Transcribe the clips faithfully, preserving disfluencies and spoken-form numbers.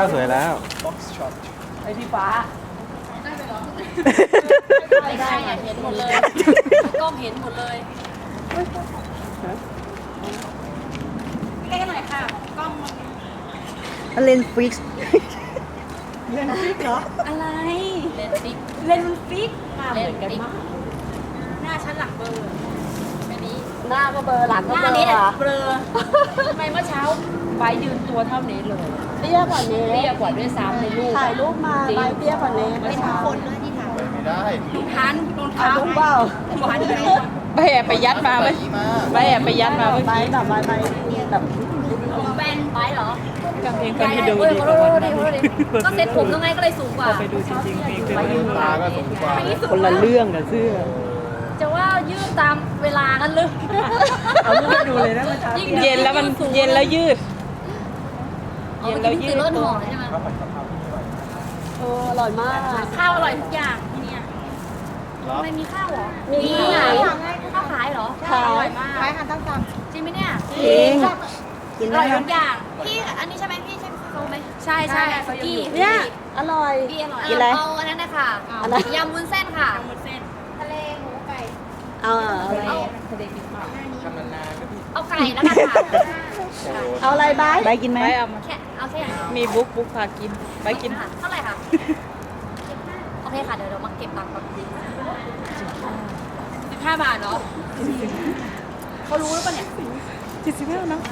แล้วสวยแล้วไอที่ฟ้าไม่ได้อยากเห็นหมดเลยกล้องเห็นหมดเลยใกล้ๆหน่อยค่ะกล้องมันเลนส์ฟิกซ์เล่นฟิกเหรออะไรเลนฟิกเล่นมันฟิกเลนฟิกหน้าชั้นหลังเบอร์อันนี้หน้าก็เบอร์หลังหก็น้าเบอนี้ร์เบลอทำไมเมื่อเช้าไบยืนตัวเท่านี้เลยเตี้ยกว่านี้เตี้ยกว่าด้วยซ้ำในรูปถ่ายรูปมาใบเตี้ยกว่านี้เป็นคนเลยที่ถ่ายไม่ได้ทานรองถ่าเท้ายรูปเปล่าหวานเลยไปแอบไปยัดมาไหมไปแอบไปยัดมาเมื่อใบกี้แบบใบใบแบบผมแบนไบเหรอกางเกงคนที่ดูเฮ้ยดีขอปโทระษมาณดินั้นขอโทษดิก็เซ็ตผมยังไงก็เลยสูงกว่าไปดูจริงๆเพลงเต็มตาก็สูงกว่าคนละเรื่องกับเสื้อจะว่ายืดตามเวลากันเลยเอารูปให้ดูเลยนะเย็นแล้วมันเย็นแล้วยืดเอาไปกินตื่นรถหอใช่ไหมเอออร่อยมากข้าวอร่อยทุกอย่างที่เนี่ยเหรอทำไมมีข้าวเหรอมีที่ไหนข้าวขายเหรอขายอร่อยมากขายอาหารตามสั่งจริงไหมเนี่ยจริงกินอได้ร่อยไหมทุกอย่างพี่อันนี้ใช่ไหมพี่ใช่เขาไหมใช่ใช่สกี้เนี่ยอร่อยพี่อร่อยกินอะไรเอาอันนั้นนะคะอะไรยำวุ้นเส้นค่ะยำวุ้นเส้นทะเลหมูไก่เอาเอาเอาทำนานๆนะพี่เอาไก่แล้วกันค่ะเอาอะไรใบใบกินไหมไปเอามาแค่เอาแค่มีบุ๊กบุ๊กพากิน ไปกินค่ะเท่าไหร่คะโอเคค่ะเดี๋ยวเดี๋ยวมาเก็บตังค์ก่อนสิบห้าบาทเหรอเขารู้หรือเปล่าเนี่ยจิตสิบห้านะ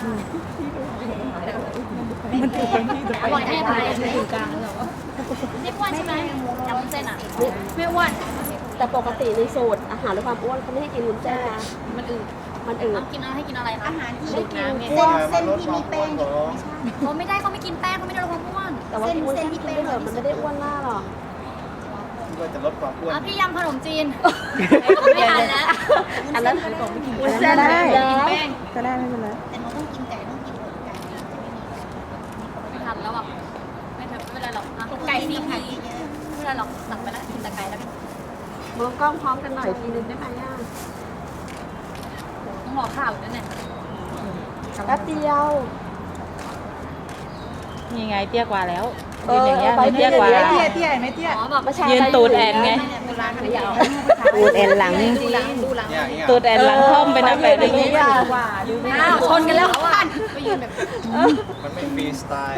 มันถูกกันที่อร่อยแน่เลยอยู่กลางแล้วไม่อ้วนใช่ไหมยำวุ้นเส้นอ่ะไม่อ้วนแต่ปกติในสูตรอาหารลดความอ้วนเขาไม่ให้กินวุ้นเส้นนะมันอืดมันอืดเอากินเอาให้กินอะไรคะอาหารที่ไม่กินเส้นเส้นที่มีแป้งเขาไม่ได้เขาไม่กินแป้งเขาไม่ได้ลดความอ้วนแต่ว่ากินวุ้นเส้นที่กินไม่เถอะมันไม่ได้อ้วนมากหรอกก็จะลดความอ้วนอ่ะพี่ยำขนมจีนไม่ทันแล้วอันนั้นวุ้นเส้นได้ก็ได้ไม่เป็นไรแต่หนูต้องกินไก่ต้องกินอกไก่ไม่ทันแล้วอ่ะไม่ทันไม่เป็นไรหรอกอ่ะไก่ซีไข่ไม่เป็นไรหรอกสั่งไปแล้วกินแต่ไก่แล้วกันมองกล้องพร้อมกันหน่อยทีนึงได้ไหมอ่ะต้องรอข้าวอยู่นั่นแหละแป๊บเดียวนี่ไงเตี้ยกว่าแล้วยืนอย่างเงี้ยเตี้ยกว่าเตี้ยเตี้ยไหมเตี้ยอ๋อแบบไม่ใช่ยืนตูดแอนไงโบราณไม่ยาวตูดแอนหลังดูหลังดูหลังเนี่ยอย่างเงี้ยตูดแอนหลังค่อมไปนะแบบนี้อ้าวชนกันแล้วเขาอ่ะไปยืนแบบมันไม่ฟรีสไตล์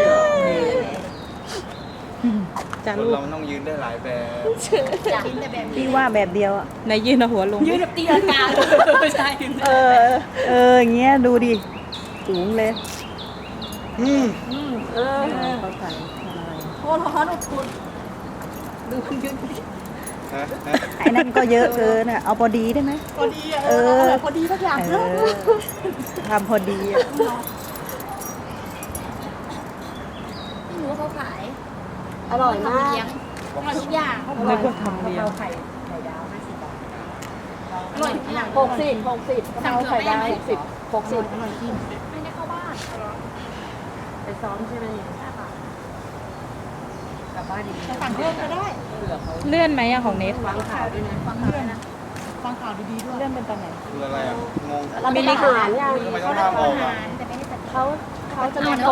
จะคนรูปเรามันต้องยืนได้หลายแบบกินแต่แบบพี่ว่าแบบเดียวอ่ะในยืนเอาหัวลงยืนแบบตีลังกาไม่ใช่เออ เอออย่างเงี้ยดูดิสูงเลยอืมเออเขาใส่โคตรร้อนอบอุ่นดูคนยืนฮะฮะไอ้นั่นก็เยอะเกินอ่ะเอาพอดีได้ไหมพอดีอ่ะเออพอดีทุกอย่างเออทำพอดีอ่ะไม่รู้ว่าเขาขายอร่อยมากเลี้ยงอร่อยทุกอย่างนึกว่าทำเดียวอร่อยทุกอย่างหกสิบหกสิบกะเพราไข่ดาวหกสิบหกสิบไม่ได้เข้าบ้านไปซ้อมใช่ไหมสั่งเพิ่มก็ได้เลื่อนไหมอะของเนทฟังข่าวด้วยนะฟังข่าวด้วยนะฟังข่าวดีๆด้วยเลื่อนเป็นตอนไหนคืออะไรอ่ะ งงเราเป็นทหารยังทำไมต้องห้ามออกอ่ะเขาเขาจะมี